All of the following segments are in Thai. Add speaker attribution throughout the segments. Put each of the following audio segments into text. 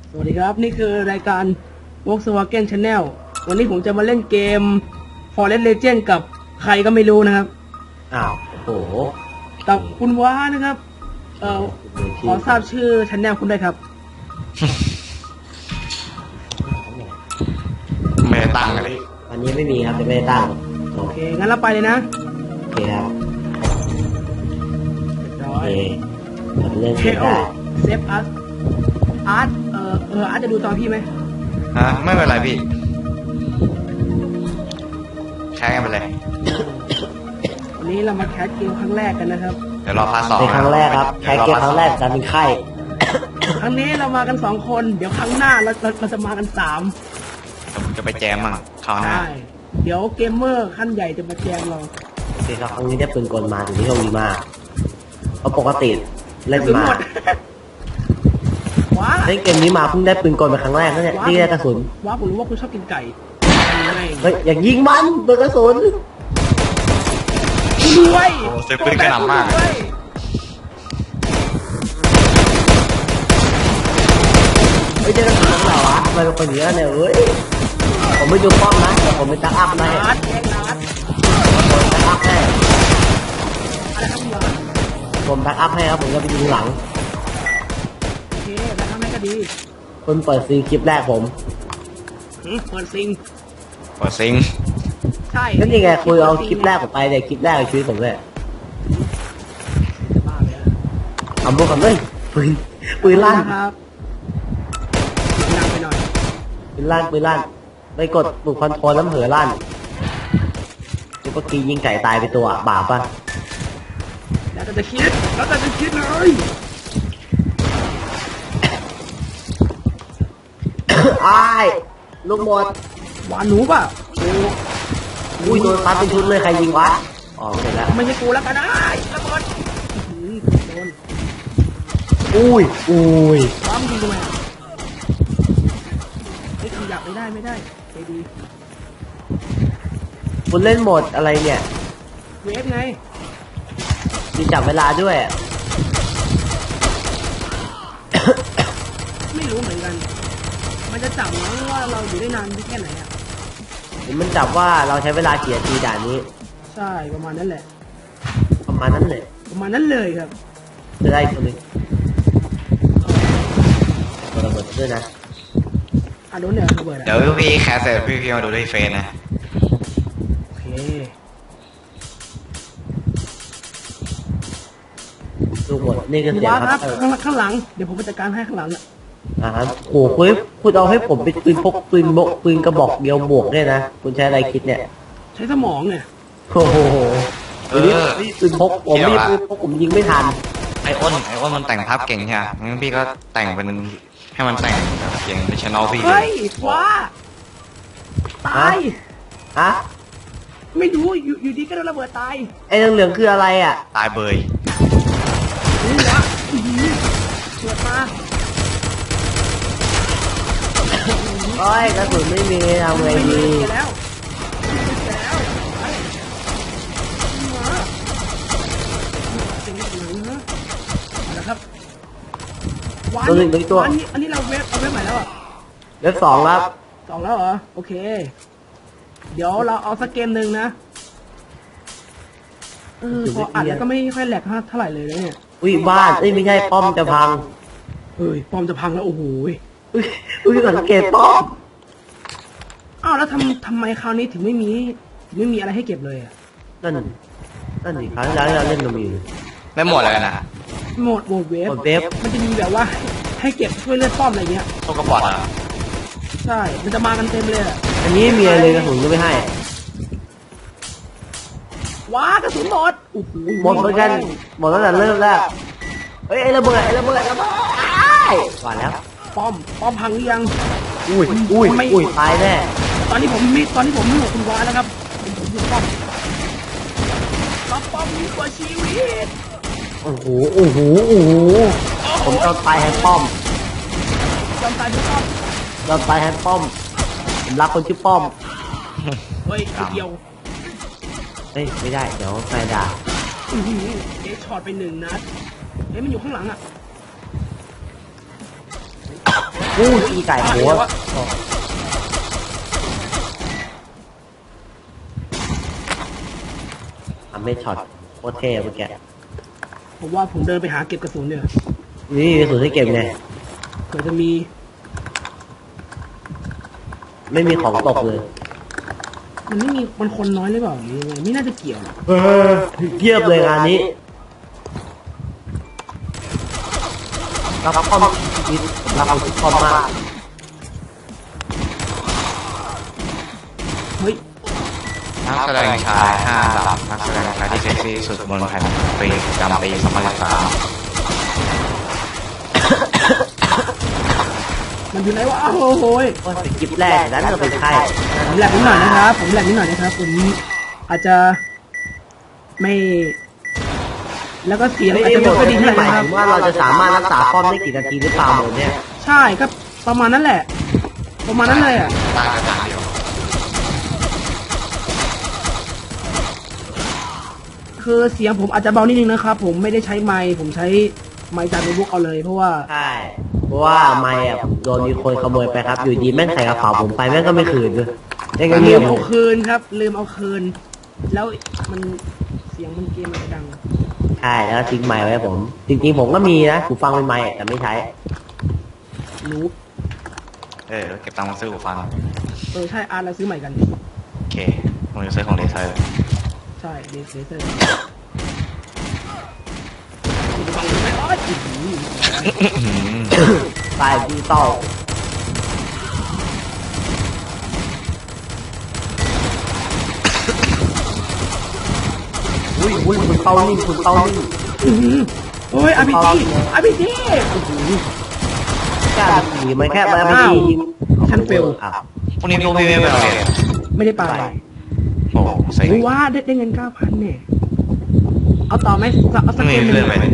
Speaker 1: สวัสดีครับนี่คือรายการ Volkswagen Channel วันนี้ผมจะมาเล่นเกม Forest Legend กับใครก็ไม่รู้นะครับ
Speaker 2: อ้าวโอ้โห
Speaker 1: กับคุณว้านะครับขอทราบชื่อ Channel คุณด้วยครับ
Speaker 3: ไม่ได้ตั้งเลย
Speaker 2: วันนี้ไม่มีครับจะไม่ได้ตั้ง
Speaker 1: โอเคงั้นเราไปเลยนะ
Speaker 2: โอเคครับ
Speaker 1: โอ
Speaker 2: เคเราเล่นเกมได้
Speaker 1: เซฟอาร์ตอาร์ตจะดูตอนพี่ไหม
Speaker 3: ไม่เป็นไรพี่ใช้กันไปเลย
Speaker 1: วันนี้เรามาแคสเกมครั้งแรกกันนะครับ
Speaker 3: เดี๋ยวรอพาร์ท 2
Speaker 2: เป็นครั้งแรกครับแค่เกมครั้งแรกจะเป็นไข้
Speaker 1: ครั้งนี้เรามากัน2คนเดี๋ยวครั้งหน้าเราจะมากัน3
Speaker 3: จะไปแจมมั่งคราวหน้า
Speaker 1: เดี๋ยวเกมเมอร์ขั้นใหญ่จะมาแจมเรา
Speaker 2: โอเคครับครั้งนี้ได้ปืนกลมาถึงที่โชคดีมากเพราะปกติเล่นมาเล่นเกมนี้มาเพิ่งได้ปืนกลเป็นครั้งแรกนั่นแหละที่ได้กระสุน
Speaker 1: ว้าผมรู้ว่าคุณชอบกินไก่
Speaker 2: เฮ้ยอย่างยิงมันโดนกระสุน
Speaker 1: ด้วย
Speaker 3: โอ้เซฟปืนกระหน่ำมาก
Speaker 2: เฮ้ยเจอกระสุนเหรอวะทำไมเป็นคนเยอะเนี่ยเฮ้ยผมไม่ดูป้อมนะแต่ผมเป็นตักอัพนะผมตักอัพให้ผมตักอัพให้ครับผมจะไปยิงหลัง
Speaker 1: โอเคแล้วทำไมก็ดี
Speaker 2: คุณเปิดซีคลิปแรกผม
Speaker 1: เปิดซิงใช่
Speaker 2: นั่นยังไงคุยเอาคลิปแรกผมไปเลยคลิปแรกในชีวิตผมเลยเอาพวกกันเลยปืนลั่น
Speaker 1: ครับดังไปหน่อย
Speaker 2: ปืนลั่นไปกดปุ่มคอนโทรลแล้วเผลอลั่นแล้วก็กียิงไก่ตายไปตัวบาปป่ะ
Speaker 1: แล้วจะคิดเลย
Speaker 2: อ้ายลูกหมด
Speaker 1: หวานหนูป่ะ
Speaker 2: อุ้ยโดนซัดเป็นชุดเลยใครยิงวะอ๋อเสร็จแล้ว
Speaker 1: ไม่ใช่กูแล้วกันนะระเบิดโดน
Speaker 2: อุ้ย
Speaker 1: ปั๊มยิงทำไมไอ้ขยับไม่ได้ใจดี
Speaker 2: คุณเล่นโหมดอะไรเนี่ย
Speaker 1: เวฟไง
Speaker 2: มีจับเวลาด้วย
Speaker 1: ไม่รู้เหมือนกันมันจะจับมั้งว่าเราอยู่ได้นานแค่ไหนอ่ะ
Speaker 2: มันจับว่าเราใช้เวลากี่นาทีด่านนี้
Speaker 1: ใช่ประมาณนั้นแหละ
Speaker 2: ประมาณนั้นเลย
Speaker 1: ครับ
Speaker 2: จะได้ตัวนึงตัวระเบิดด้วยนะ
Speaker 1: โดนเนี่ยระเบิด
Speaker 3: เดี๋ยวพี่แคสเสร็จพี่มาดูที่เฟซนะ
Speaker 1: โอเค
Speaker 2: ดูหมดนี่ก็เสีย
Speaker 1: ครับข้างหลังเดี๋ยวผมไปจัดการให้ข้างหลังอ่ะ
Speaker 2: โอ้โหคุณเอาให้ผมเป็นปืนพกปืนกระบอกเดียวบวกเนี่ยนะคุณใช้อะไรคิดเนี่ย
Speaker 1: ใช้สมองเนี่ย
Speaker 2: โอ้โหปืนพกผมมีปืนพกผมยิงไม่ทัน
Speaker 3: ไอ้อ้นมันแต่งภาพเก่งใช่ไหมงั้นพี่ก็แต่งเป็นให้มันแต่งเก่งในช่องพี่
Speaker 1: เฮ้ยว้าตายไม่รู้อยู่ดีก็โดนระเบิดตาย
Speaker 2: ไอ้เหลืองคืออะไรอ่ะ
Speaker 3: ตายเบย
Speaker 1: นี่วะเกิดมา
Speaker 2: โอ้ยกระสุนไม่มีทำไงดี
Speaker 1: แล้วครับ
Speaker 2: ตัวหนึ่งตัว
Speaker 1: อันนี้เราเว็บใหม่แล้วอ่ะ
Speaker 2: เว็บ2ครับ
Speaker 1: 2แล้วเหรอโอเคเดี๋ยวเราเอาสักเกมหนึ่งนะพออัดแล้วก็ไม่ค่อยแหลกเท่าไหร่เลยเนี่ย
Speaker 2: อุ้ยบ้านไม่ใช่ป้อมจะพัง
Speaker 1: ป้อมจะพังแล้วโอ้โห
Speaker 2: อุ้ยสังเกตป้อม
Speaker 1: แล้วทำไมคราวนี้ถึงไม่มีอะไรให้เก็บเลยอ่ะ
Speaker 2: นั่นดิครั้งที่เราเล่นเรามี
Speaker 3: ไม่หมดเลยนะ
Speaker 1: โหมดเวฟมันจะมีแบบว่าให้เก็บช่วยเลือดป้อมอะไรเงี้ย
Speaker 3: พวกกระป๋องอ่ะ
Speaker 1: ใช่มันจะมากันเต็มเลย
Speaker 2: อันนี้มีอะไรกระสุนก็ไม่ให้
Speaker 1: ว้ากระสุนหมด
Speaker 2: หมดเหมือนกันหมดตั้งแต่เริ่มแล้วเฮ้ยไอ้ระเบิดก่อนแล้ว
Speaker 1: ป้อมพังหรือยัง
Speaker 2: อุ้ยตายแน่
Speaker 1: ตอนนี้ผมไม่หมดคุณวาแล้วครับผมอยู่ป้อมมีกว่าชีวิต
Speaker 2: โอ้โหผมจะตายแฮนป้อม
Speaker 1: ยอมตายเพื่อป้อม
Speaker 2: ผมรักคนชื่อป้อม
Speaker 1: เฮ้ยเดียว
Speaker 2: ไม่ได้เดี๋ยวแฟนด่า
Speaker 1: ช็อตไป1 นัดมันอยู่ข้างหลังอ่ะ
Speaker 2: อู้อีไก่โหทำไม่ช็อตโคตรเท่เมื่อกี้
Speaker 1: ผมว่าผมเดินไปหาเก็บกระสุนเนี่ย
Speaker 2: นี่กระสุนที่เก็บไง
Speaker 1: เผื่อจะมี
Speaker 2: ไม่มีของตกเลย
Speaker 1: มันไม่มีมันคนน้อยหรือเปล่าหรือยังไงไม่น่าจะเกี่ยวหรอก
Speaker 2: เยียบเลยงานนี้รับคอมชีวิตรับคอมมาก
Speaker 1: เฮ้ย
Speaker 3: นักแสดงชาย5 อันดับนักแสดงชายที่เซ็กซี่สุดบนแผ่นปีประจำปี2013
Speaker 1: มันอยู่ไหนวะโอ้โหย
Speaker 2: ก็สกิปแรกนั้นก็เป็นใคร
Speaker 1: ผมแหลกนิดหน่อยนะครับผมแหลกนิดหน่อยนะครับผมอาจจะไม่ แล้วก็เสียง
Speaker 2: ไม่
Speaker 1: อาจ
Speaker 2: ได้
Speaker 1: จะ
Speaker 2: บ
Speaker 1: ไม่
Speaker 2: อก
Speaker 1: ค่อยดี
Speaker 2: ที่
Speaker 1: เท่าไห
Speaker 2: ห
Speaker 1: ร่
Speaker 2: มาย
Speaker 1: นะครับ
Speaker 2: ถึงว่าเราจะสามารถรักษาป้อมได้กี่นาทีหรือเปล่าหมดเนี่ย
Speaker 1: ใช่ครับประมาณนั้นแหละ ประมาณนั้นเลยอ่ะ
Speaker 3: ต่างกันอย่างเดียว
Speaker 1: คือเสียงผมอาจจะเบานิดนึงนะครับผมไม่ได้ใช้ไมค์ผมใช้ไมค์จากโน้ตบุ๊กเอาเลยเพราะว่า
Speaker 2: ใช่เพราะว่าไม่อะโดนมีคนขโมยไปครับ อยู่ดีแม่งใส่กระเป๋าผมไปแม่งก็ไม่คืนด้วยแม่งก็
Speaker 1: ลื
Speaker 2: เงียบ
Speaker 1: มเอาคืนครับลืมเอาคืน แล้วมันเสียงมันเกมมันจะดัง
Speaker 2: ใช่แล้วทิ้งไม้ไว้ผม จริงๆผมก็มีนะหูฟังเป็นไม้แต่ไม่ใช้
Speaker 1: นูบ
Speaker 3: เก็บตังค์มาซื้อหูฟัง
Speaker 1: ใช่อาร์ตเราซื้อใหม่กัน
Speaker 3: โอเคผมจะซื้อของเลเซอร์
Speaker 1: ใช่เลเซอร์ฟังไหมอ๋อจิ๋ว
Speaker 2: สายดิจิตอลอุ้ยคุณเป้านิ่งคุณเป้านิ่ง
Speaker 1: โอ้ยอาร์พีจีอาร์พีจี
Speaker 2: กล้าขี่ไหมแค่มาไม่ดี
Speaker 1: ท่านเฟล
Speaker 2: อ่ะ
Speaker 3: พรุ่งนี้พวกพี่ไม่ไปโรงเรียน
Speaker 1: ไม่ได้ไป
Speaker 3: โอ้เซ็ง
Speaker 1: รู้ว่าได้เงิน 9,000 เนี่ย เอาต่อไหมเอาสัก
Speaker 3: ไม่
Speaker 1: เกม
Speaker 3: มี
Speaker 1: หนึ่
Speaker 3: เพื่อน
Speaker 1: ง
Speaker 3: ไปเลย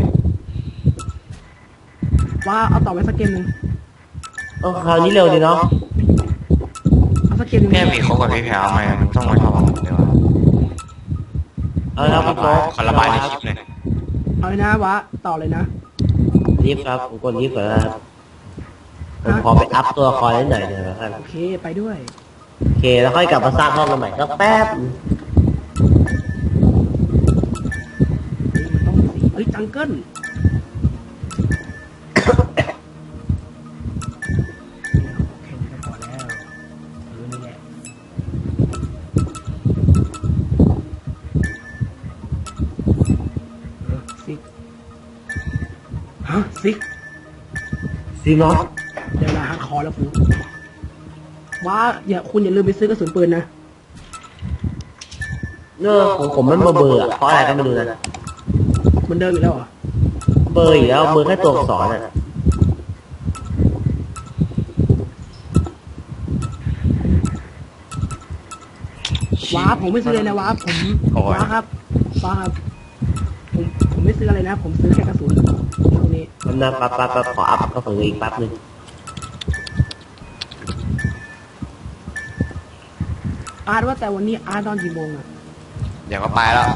Speaker 1: ว่าเอาต่อไหมสักเกมหนึ่ง
Speaker 2: คราวนี้เร็วดีเนาะ
Speaker 1: เอาสักเกมหนึ่ง
Speaker 3: พี่มีคบกับพี่แพรวไหมมันต้องมาชอบผมเดียว
Speaker 2: เอาละครับคุณโจ๊ก
Speaker 3: คนระบายในคลิปเลย
Speaker 1: เอาเลยนะวะต่อเลยนะ
Speaker 2: รีบครับผมกดรีบก่อนนะครับผมขอไปอัพตัวละครนิดหน่อยเดี๋ยวนะครับ
Speaker 1: โอเคไปด้วย
Speaker 2: โอเคแล้วค่อยกลับมาสร้างห้องกันใหม่สักแป๊บ
Speaker 1: มันต้องสีเฮ้ยจังเกิลแค่นี้ก็พอแล้วนี่แหละซิกฮะซิก
Speaker 2: ซีมอส
Speaker 1: เดี๋ยวลาฮาร์ดคอร์แล้วฟูว่าคุณอย่าลืมไปซื้อกระสุนปืนนะ
Speaker 2: ผมมันเบอร์อะเพราะอะไรก็ไม่รู้นะ
Speaker 1: มันเดิมอีกแล้วเหรอ
Speaker 2: เบอร์อีกแล้วเบอร์แค่ตัวอักษรอ่ะ
Speaker 1: ว้าผมไม่ซื้อเลยนะว้าผมว้าครับว้าครับผมไม่ซื้ออะไรนะ ผมซื้อแค่กระสุนตรงนี้
Speaker 2: มันนะปั๊บขออัพก็เผยอีกแป๊บนึง
Speaker 1: อาร์ตว่าแต่วันนี้อาร์ตนอนกี่โมงอะ
Speaker 3: เดี๋ยวก็ไปแล้ว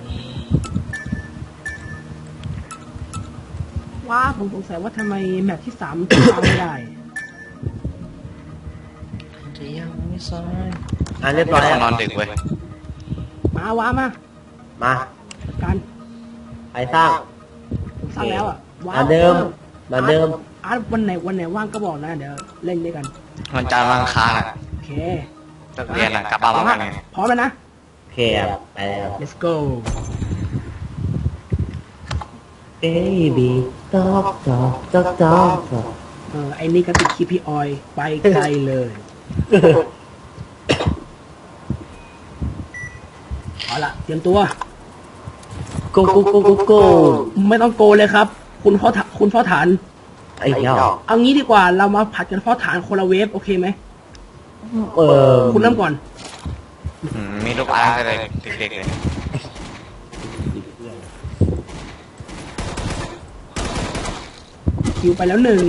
Speaker 1: ว้าผมสงสัยว่าทำไมแมปที่3มันถึงวางไม่ได้
Speaker 2: เรียบร้อย
Speaker 3: น
Speaker 2: แล้ว
Speaker 3: อนดึกเว้ย
Speaker 1: มาว้ามา
Speaker 2: มา
Speaker 1: การ
Speaker 2: ไปสร้าง
Speaker 1: ผมสร้างแล้วอะว้า
Speaker 2: มาเดิมมาเดิม
Speaker 1: อาร์ตวันไหนว่างก็บอกนะเดี๋ยวเล่นด้วยกัน
Speaker 3: มันจานวันอังคารอ่ะ
Speaker 1: โอเค
Speaker 3: เลิกเรียนอ่ะกลับบ้านพร้อมกันไง
Speaker 1: พร้อมแล้วนะ
Speaker 2: โอเคครับไปแล้ว
Speaker 1: let's go
Speaker 2: baby talk
Speaker 1: ไอ้นี่ก็ติดคีพีออยไปไกลเลย เอาละเตรียมตัว
Speaker 2: go
Speaker 1: ไม่ต้องโกเลยครับ คุณพ่อฐาน
Speaker 2: ไอ้เหี้ย
Speaker 1: เอางี้ดีกว่าเรามาผัดกันพ่อฐานคนละเวฟโอเคไหม คุณเริ่มก่อน
Speaker 3: มีลูกอาร์ตอะไรเด็กๆเลย
Speaker 1: คิวไปแล้ว1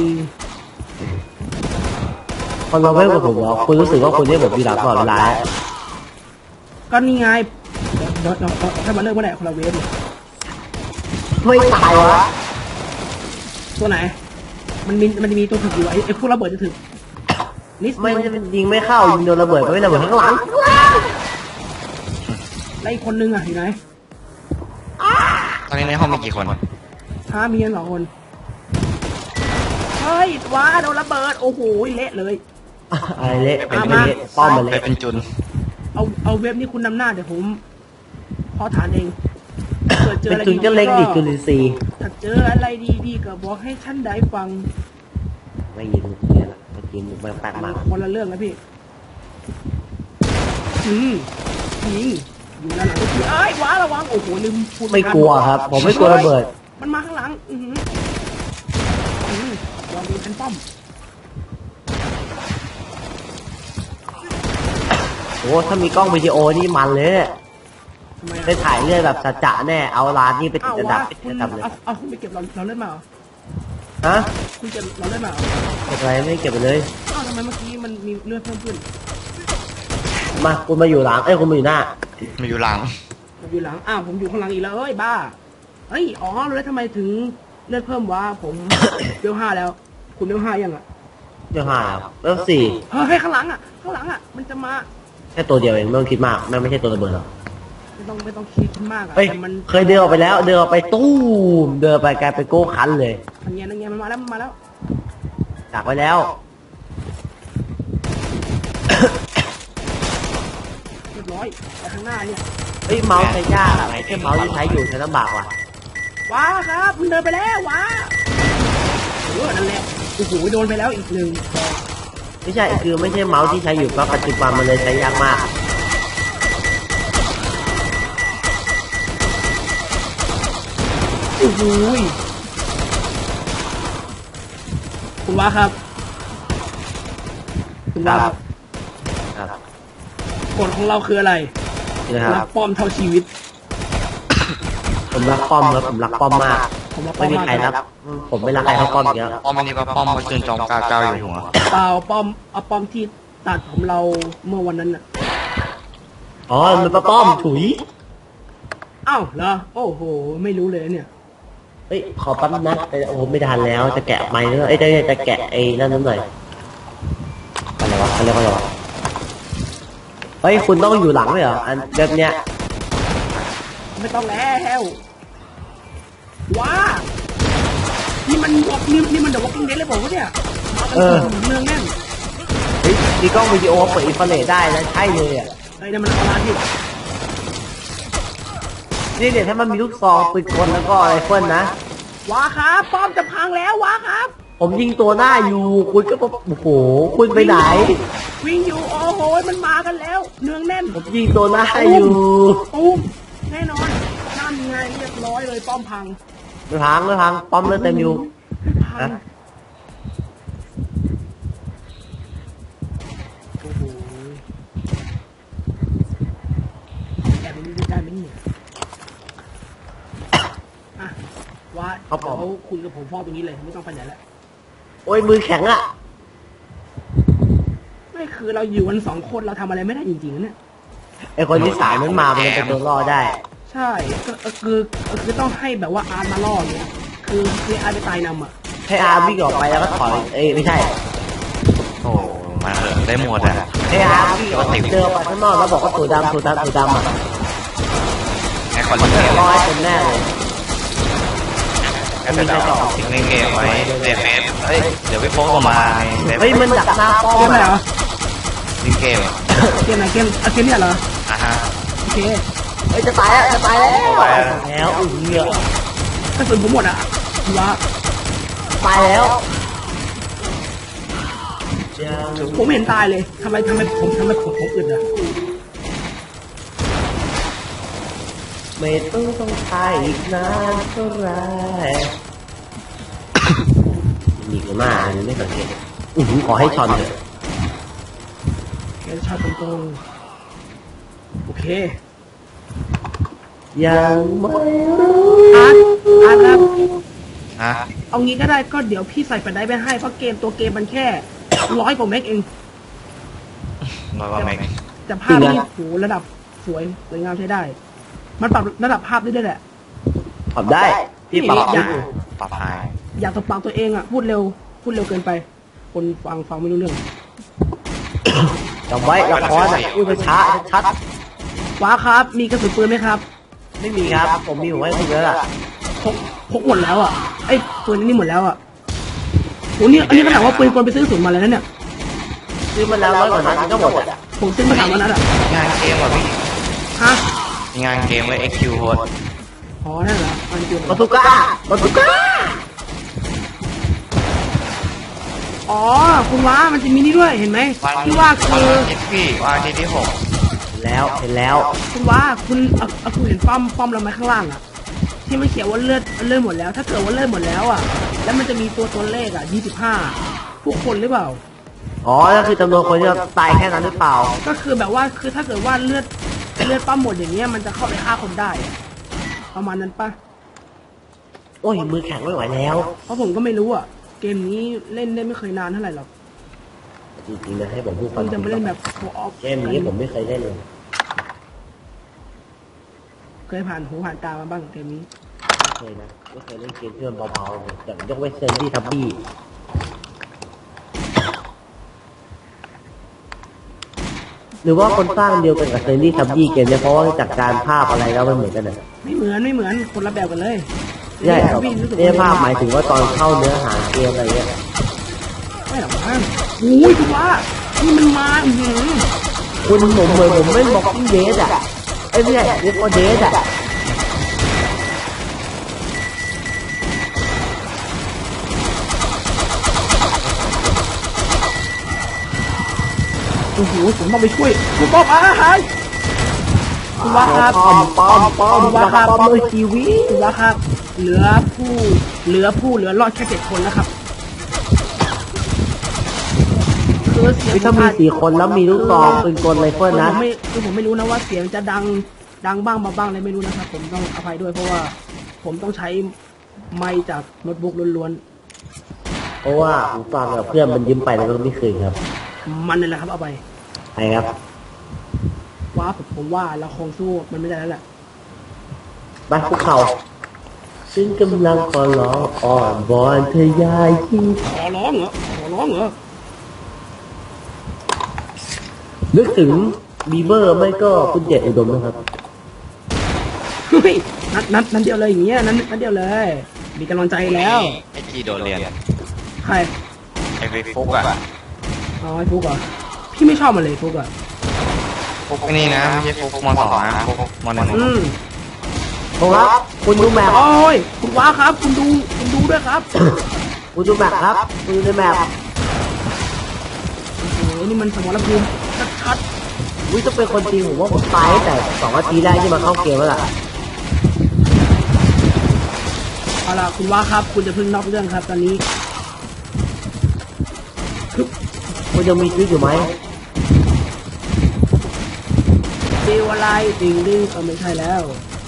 Speaker 2: คนมาเว้ยกับผมเหรอคุณรู้สึกว่าคุณเนี่ยแบบมีหลักตลอดเวลา
Speaker 1: ก็นี่ไงเดี๋ยวถ้ามาเริ่มเมื่อไหร่คนละเวฟเนี่ย
Speaker 2: ไม่ตายวะ
Speaker 1: ตัวไหนมันมีตัวถึกอยู่ไอ้พวกระเบิดจะถึกนิด
Speaker 2: ไม่
Speaker 1: นึง
Speaker 2: ยิงไม่เข้ายิงโดนระเบิดก็ไม่ระเบิดข้างหลัง
Speaker 1: แล้วอีกคนนึงอ่ะอยู่ไหน
Speaker 3: ตอนนี้ในห้องมีกี่คน
Speaker 1: ท้ามีกัน2 คนเฮ้ยว้าโดนระเบิดโอ้โหเละเลย
Speaker 2: อะไรเละ
Speaker 1: มา
Speaker 2: เป็นเละป้อมมา
Speaker 3: ไป
Speaker 2: เละ
Speaker 3: เป็นจุน
Speaker 1: เอาเว็บนี่คุณนำหน้าเดี๋ยวผมพอฐานเองเกิดเจอ
Speaker 2: เป็น
Speaker 1: อะไร
Speaker 2: จุนก็เล็กดิจุลินทรีย์
Speaker 1: ถ้าเจออะไรดีๆก็บอกให้ฉันได้ฟัง
Speaker 2: ไม่ยิงเนี่ยละเมื่อกี้มันแปลกมาก
Speaker 1: คนละเรื่องนะพี่ยิงอยู่ด้านหลังก็คือเอ้ยว้าระวังโอ้โหลืมพูด
Speaker 2: ไม่กลัวครับ ผมไม่กลัวระเบิด
Speaker 1: มันมาข้างหลังลองดูเป็นป้อม
Speaker 2: โอ้ถ้ามีกล้องวิดีโอนี่มันเลย
Speaker 1: ทำไม
Speaker 2: ได้ถ่ายเรื่องแบบจะๆแน่เอาร้านนี่ไปติ
Speaker 1: อ้า
Speaker 2: ด
Speaker 1: ว
Speaker 2: อันดั
Speaker 1: ว้า
Speaker 2: บติด
Speaker 1: คุณ
Speaker 2: อันดับเลย
Speaker 1: เอาคุณไปเก็บเราเล่นมาเหรอ
Speaker 2: ฮะ
Speaker 1: คุณเก็บเราเล่นมาเหรอ
Speaker 2: เก็บอะไรไม่เก็บไปเลย
Speaker 1: อ้าวทำไมเมื่อกี้มันมีเลือดเพิ่มขึ้น
Speaker 2: มาคุณมาอยู่หลังคุณมาอยู่หน้า
Speaker 3: มาอยู่หลัง
Speaker 1: ผมอยู่หลังอ้าวผมอยู่ข้างหลังอีกแล้วเอ้ยบ้าเอ้ยอ๋อรู้แล้วทำไมถึงเลือดเพิ่มวะผม เวล5แล้ว คุณเวล5ยังอ่ะ
Speaker 2: เดี๋ยวห้าแล้วสี่
Speaker 1: เฮ้ยข้างหลังอ่ะมันจะมา
Speaker 2: แค่ตัวเดียวเองไม่ต้องคิดมากแม่งไม่ใช่ตัวระเบิดหรอก
Speaker 1: ไม่ต้องคิดมากอ่ะ
Speaker 2: เฮ้ย
Speaker 1: แต่มัน
Speaker 2: เคยเดินออกไปแล้วเดินออกไปตู้มเดินไปกลายเป็นโก้คันเลย
Speaker 1: นั่นไงมันมาแล้ว
Speaker 2: ดักไว้แล้ว
Speaker 1: เรียบร้อยไปข้างหน้าเนี่ย
Speaker 2: เฮ้ยเมาส์ใช้ยากอะแค่เมาส์ที่ใช้อยู่ใช้ลำบากว่ะ
Speaker 1: ว้าครับมันเดินไปแล้วว้านั่นแหละโอ้โหโดนไปแล้วอีกหนึ่ง
Speaker 2: ไม่ใช่คือไม่ใช่เมาส์ที่ใช้อยู่ก็ปัจจุบันมันเลยใช้ยากมาก
Speaker 1: โอ้โหคุณว้าครับคุณว้าครับ
Speaker 2: ครับ
Speaker 1: กฎของเราคืออะไร
Speaker 2: นี่นะค
Speaker 1: รั
Speaker 2: รั
Speaker 1: ก
Speaker 2: บ
Speaker 1: ป้อมเท่าชีวิต
Speaker 2: ผมรักป้อมครับผมรักป้อมมาก
Speaker 1: ผมรักป้
Speaker 2: ไม่
Speaker 1: อม
Speaker 2: มี
Speaker 1: มาก
Speaker 2: ใครรักผมไม่รักใครเท่าป้อมอีกแล้ว
Speaker 3: ป้อมอันนี้ก็ป้อมเพราะจุนจอมกาเก้าอยู่หัว
Speaker 1: เปล่าป้อมเอาป้อมที่ตัดผมเราเมื่อวันนั้นน่ะ
Speaker 2: อ๋อมันเป็นป้อมถุย
Speaker 1: อ้าวเหรอโอ้โหไม่รู้เลยเนี่ย
Speaker 2: เฮ้ยขอแป๊บนะโอ้โหไม่ทันแล้วจะแกะไม้เนื้อจะแกะไอ้นั่นนิดหน่อยอะไรวะเขาเรียกว่าอะไรวะเฮ้ยคุณต้องอยู่หลังเลยเหรออันแบบเนี้ย
Speaker 1: ไม่ต้องแล้วว้านี่มันวอกนี่มันเดอะวอล์กกิ้งเดดเลยบอกว่าเนี่ยมากันเมืองแน่น
Speaker 2: เฮ้ยมีกล้องวิดีโอเปิดอินฟราเรดได้นะใช่เลยอ่ะ
Speaker 1: ไอ้นั่นมันเอาร้านที่
Speaker 2: นี่เนี่ยถ้ามันมีลูกซองปืนกลแล้วก็อะไรเฟิลนะ
Speaker 1: ว้าครับป้อมจะพังแล้วว้าครับ
Speaker 2: ผมยิงตัวหน้าอยู่คุณก็บอกโอ้โหคุณไปไหน
Speaker 1: วิ่งอยู่โอ้โหมันมากันแล้วเนืองแน่น
Speaker 2: ผมยิงตัวหน้าอยู่
Speaker 1: ตุ้มแน่นอนนั่นไงเรียบร้อยเลยป้อมพัง
Speaker 2: ไม่พังป้อมเลือดเต็มอยู่
Speaker 1: พังโอ้โหแอบไปดูได้ไหมเนี่ยอ่ะว่าเดี๋ยวคุยกับผมพ่อตรงนี้เลยไม่ต้องไปไหนแล้ว
Speaker 2: โอ้ยมือแข็งอ่ะ
Speaker 1: ไม่คือเราอยู่กัน2 คนเราทำอะไรไม่ได้จริงๆนะเนี่ย
Speaker 2: ไอคนที่สามนั้นมามันเป็นตัวรอดได้
Speaker 1: ใช่ก็คือต้องให้แบบว่าอาร์ตมาล่ออย่างเงี้ยคืออาร์ตไปตายนำอ่ะ
Speaker 2: ให้อาร์วิ่งออกไปแล้วก็ถอยไม่ใช่
Speaker 3: โอ้มาเถอะได้หมดอ่ะ
Speaker 2: ให้อาร์วิ่งออกไปเดินไปข้างนอกแล้วบอกว่าตัวดำอ่ะ
Speaker 3: ไอ้คนเล่นเกม
Speaker 2: ร้อยเป็นแน่เลย
Speaker 3: ก็จะเอาทิ้งเล่นเกมไว้ในเฟซเฮ้ยเดี๋ยวไปโพสต์ออกมาในเฟ
Speaker 2: เฮ้ย
Speaker 3: ซ
Speaker 2: มันดักหน้าป้อม
Speaker 1: เกมไหนเหรอ
Speaker 3: เล่นเกม
Speaker 1: เกมไหนเกมเนี่ยเหรอ
Speaker 3: อ่ะฮะ
Speaker 1: โอเค
Speaker 2: เฮ้ยจะตายแล้วแล้วอุ้ยเหี้ย
Speaker 1: กระสุนผมหมดอ่ะว่า
Speaker 2: ตายแล้ว
Speaker 1: ผมไม่เห็นตายเลยทำไมผมอึดอ่ะ
Speaker 2: ไม่ต้องตายอีกนานเท่าไรมีกันมากไม่สังเกตขอให้ชอนเถอะ
Speaker 1: แกชอบตรงๆโอเค
Speaker 2: ยังไม่รู้
Speaker 1: อาร์ตครับ
Speaker 3: ฮะ
Speaker 1: เอางี้ก็ได้ก็เดี๋ยวพี่ใส่แฟลชไดรฟ์ไปให้เพราะตัวเกมมันแค่100 กว่าเมกเอง
Speaker 3: ร้อยกว่าเมก
Speaker 1: แต่ภาพนี่โหระดับสวยงามใช้ได้ มันปรับระดับภาพได้ด้วยแหละ
Speaker 2: ทำได้ที่ปรับ
Speaker 1: อยาก
Speaker 3: ปรับไฮ
Speaker 1: อยากตบปากตัวเองอ่ะพูดเร็วพูดเร็วเกินไป คนฟังไม่รู้เรื่อง
Speaker 2: จำไว้ละครอ่ะพูดไปช้าชัด
Speaker 1: ว้าครับ มีกระสุนปืนไหมครับ
Speaker 2: ๆไม่มีครับ ผมมีหัวให้คุณแล้วล่ะ
Speaker 1: พกหมดแล้วอ่ะไอ้ปืนนี่หมดแล้วอ่ะโหนี่อันนี้ขนาดว่าปืนกลไปซื้อกระสุนมาเลยนะเนี่ย
Speaker 2: ซื้อมาแล้ว100 กว่านัดมันก็หมดอ่ะ
Speaker 1: ผมซื้อมา3 วันนั้นอ่ะ
Speaker 3: งานเกมว่ะพี่
Speaker 1: ฮะ
Speaker 3: มีงานเกมไว้ XQ โหด
Speaker 1: อ๋อนั่นเหรออันเดียว
Speaker 2: บาซูก้าบาซูก้า
Speaker 1: อ๋อคุณว้ามันจะมีนี่ด้วยเห็นไหม
Speaker 3: วัน
Speaker 1: ที่ว่าคือ
Speaker 3: อาทิตย์พี่วันอาทิตย์ที่
Speaker 2: เห็นแล้ว
Speaker 1: คุณว้าคุณเอาคุณเห็นป้อมเราไหมข้างล่างอ่ะที่มันเขียนว่าเลือดหมดแล้ว ถ้าเกิดว่าเลือดหมดแล้วอ่ะแล้วมันจะมีตัวเลขอ่ะ25ทุกคนหรือเปล่า
Speaker 2: อ๋อนั่นคือจำนวนคนที่ตายแค่นั้นหรือเปล่า
Speaker 1: ก็คือแบบว่าคือถ้าเกิดว่าเลือดป้าหมดอย่างเงี้ยมันจะเข้าไปฆ่าคนได้อะประมาณนั้นปะ
Speaker 2: โอ้ยมือแข็งไม่ไหวแล้ว
Speaker 1: เพราะผมก็ไม่รู้อ่ะเกมนี้เล่นได้ไม่เคยนานเท่าไหร่หรอก
Speaker 2: จริงๆนะให้ผมพูดความ
Speaker 1: เพิ่ง
Speaker 2: จริ
Speaker 1: จะ
Speaker 2: ง
Speaker 1: มาเล่นแบบโฟออฟ
Speaker 2: เกมนี้ผมไม่เคยเล่นเลย
Speaker 1: เคยผ่านหูผ่านตามาบ้างเกมนี้
Speaker 2: ไม่เคยนะไม่เคยเล่นเกมที่มันเบาๆแต่ยกเว้นเซนดี้ทับบี้หรือว่าคนสร้างเดียวกันกับเซนดี้ทับบี้เกมเนี่ยเพราะว่าจากการภาพอะไรแล้วมันเหมือนกันนะ
Speaker 1: ไม่เหมือนคนละแบบกันเลย
Speaker 2: ใช่ครับ
Speaker 1: พี่รู้สึก
Speaker 2: เนี่ยภาพหมายถึงว่าตอนเข้าเนื้อหาเกมอะไรเงี้ย
Speaker 1: ไม่หรอกมั้งโอ้ยคุณว่านี่มันมา
Speaker 2: คุณผมเหมือนผมเล่นบ็อกซิ่งเดสอ่ะไอ้เนี่ยเรียกว่าเดสอ่ะ
Speaker 1: โอ้โหผมต้องไปช่วยคุณป้อมอาหารคุณว่าครับ
Speaker 2: ปอมเลยชีวิต
Speaker 1: คุณว่าครับเหลือรอดแค่7 คนแล้วครับคือเสียง
Speaker 2: ถ้ามี4 คนแล้วมีลูกซองปืนกลไรเฟิลนะ
Speaker 1: ผมไม่รู้นะว่าเสียงจะดังบ้างเบาบ้างอะไรไม่รู้นะครับผมต้องอภัยด้วยเพราะว่าผมต้องใช้ไมค์จากโน้ตบุ๊กล้วน
Speaker 2: เพราะว่าผมฟังกับเพื่อนมันยืมไปแล้วก็ไม่คืนครับ
Speaker 1: ๆมันนี่แหละครับเอาไป
Speaker 2: ใช่ครับ
Speaker 1: ว่าผมว่าเราคงสู้มันไม่ได้แล้วแหละ
Speaker 2: บ้านภูเขาซึ่งกำลังขอร้องอ่อนบอนเธอยายที่
Speaker 1: ขอร้องเหรอ
Speaker 2: นึกถึงบีเบอร์ไม่ก็คุณเจตอุดมนะครับ
Speaker 1: เฮ้ยนัดเดียวเลยอย่างเงี้ยนัดเดียวเลย มีกำลังใจแล้ว
Speaker 3: ไอ้กีโดนเรียน
Speaker 1: ใคร
Speaker 3: ไอ้ฟุกอ่ะ
Speaker 1: อ๋อไอ้ฟุกเหรอพี่ไม่ชอบมันเลยฟุกอ่ะ
Speaker 3: ฟุกนี่นะไม่ใช่ฟุกม.2นะฟุกม.1
Speaker 2: ผมครับคุณดูแมพ
Speaker 1: โอ้ยคุณว้าครับ คุณดูด้วยครับ
Speaker 2: คุณดูแมพครับคุณดูในแมพ
Speaker 1: โอ้โหนี่มันสมรภูมิชัด
Speaker 2: วิจะเป็นคนจริงผมว่าผมตายตั้งแต่2 นาทีแรกที่มาเข้าเกมแล้วล่ะ
Speaker 1: ๆเอาล่ะคุณว้าครับ คุณจะพึ่งนอกเรื่องครับ ตอนนี้
Speaker 2: คุณยังมีชีวิตอยู่ไหม
Speaker 1: เจวอะไรดิ่งไม่ใช่แล้ว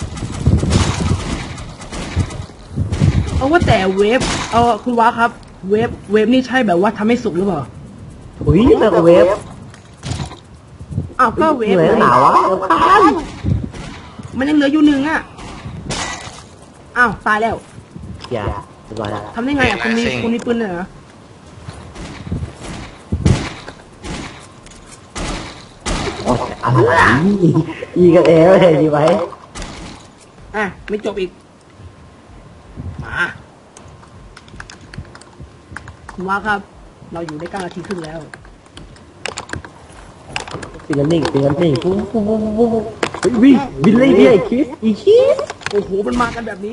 Speaker 1: เอาว่าแต่เวฟคุณว้าครับ เวฟนี่ใช่แบบว่าทำให้สุกหรือเปล่า
Speaker 2: อุ้ยแมกเวฟ
Speaker 1: อ้าวก็เวฟ
Speaker 2: เหนื่อยหนาวะรำคาญ
Speaker 1: มันยังเหลืออยู่1อ่ะอ้าวตายแล้ว
Speaker 2: อย่าเรียบร้อยแล้ว
Speaker 1: ทำได้ไงอ่ะคุณมีปืนเลยเหรอ
Speaker 2: โอ้ยอะไรอีกันเองเลยดีไหม
Speaker 1: อ่ะไม่จบอีกมาคุณว่าครับ เราอยู่ได้9 นาทีครึ่งแล้ว
Speaker 2: ปิงกันนิ่งปุ๊บเฮ้ยวินเลยเนี่ยอีคิด
Speaker 1: โอ้โหมันมากันแบบนี้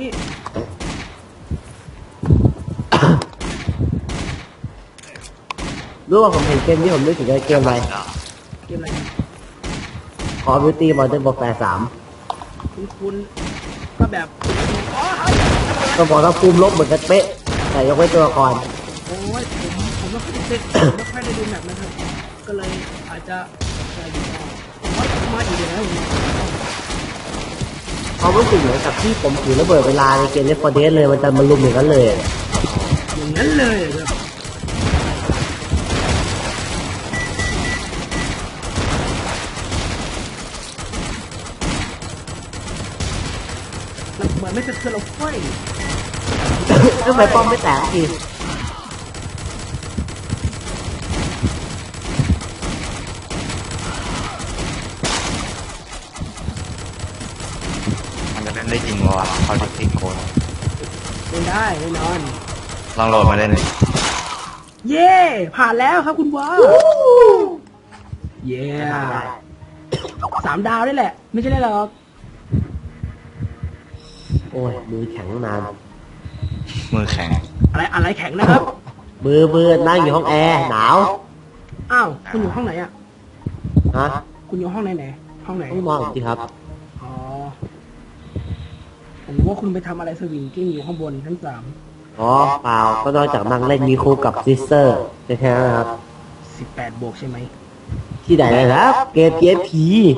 Speaker 2: รู้ว่าผมเห็นเกมที่ผมนึกถึงเกมอะไร
Speaker 1: เกมอะไรกัน
Speaker 2: Call of Duty Modern Warfare
Speaker 1: คุณก็แบบอ๋อ
Speaker 2: 3ก็บอกว่าภูมิลบเหมือนกันเป๊ะแต่ยกเว้นตัวละคร
Speaker 1: โอ้ยผมไม่ค่อยได้เล่นไม่ค่อยได้ดูแมปนะครับ ก็เลยอาจจะอะไรดีมาอีกแล้ว
Speaker 2: เขารู้สึกเหมือนกับที่ผมถือระเบิดเวลาในเกม Left 4 Dead เลยมันจะมาลุมอย่างนั้นเลย
Speaker 1: อย่างนั้นเลยแบบเหมือนไม่จะเคือเราไฟ
Speaker 2: ทำไมป้อมไม่แตกที
Speaker 3: ได้จริงวะเขาดิติโกน
Speaker 1: เล่นได้แน่นอน
Speaker 3: ลองโหลดมาเล่นดิ
Speaker 1: เย่ผ่านแล้วครับคุณวาเย่3 ดาวได้แหละ ไม่ใช่ได้หรอก
Speaker 2: โอ้ยมือแข็งนาน
Speaker 3: มือแข็ง
Speaker 1: อะไรแข็งนะครับ
Speaker 2: มือนั่งอยู่ห้องแอร์หนาว
Speaker 1: อ้าวคุณอยู่ห้องไหนอ่ะ
Speaker 2: ฮะ
Speaker 1: คุณอยู่ห้องไหนห้องไหน
Speaker 2: ต้องมองสิครับ
Speaker 1: อ๋อผมว่าคุณไปทำอะไรสวิงกิ้งอยู่ข้างบนชั้น
Speaker 2: อ๋อเปล่าก็นอกจากนั่งเล่นมีครูกับซิสเตอร์แค่นั้นนะครับ
Speaker 1: 3 18 บวกใช่ไหม
Speaker 2: ที่ไหนนะครับเกม PSP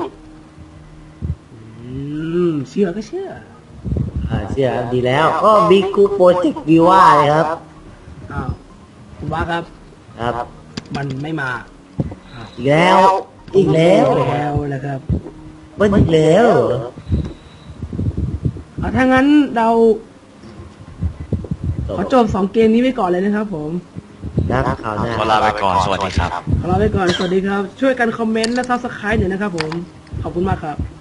Speaker 1: เชื่อก็เชื่อ
Speaker 2: เชื่อดีแล้วก็บิ๊กคูโปรเจกต์วิว่าเลยครับ
Speaker 1: อ้าวคุณว่าครับ
Speaker 2: ครับ
Speaker 1: มันไม่มา
Speaker 2: อีกแล้ว
Speaker 1: แล้วนะครับ
Speaker 2: มันอีกแล้วเหรอ
Speaker 1: ถ้างั้นเราขอจบ2 เกมนี้ไว้ก่อนเลยนะครับผม
Speaker 2: นะข่าวหน้า
Speaker 3: ขอลาไปก่อน สวัสดีครับ
Speaker 1: ขอลาไปก่อน สวัสดีครับ ช่วยกันคอมเมนต์และซับสไครต์หน่อยนะครับผม ขอบคุณมากครับ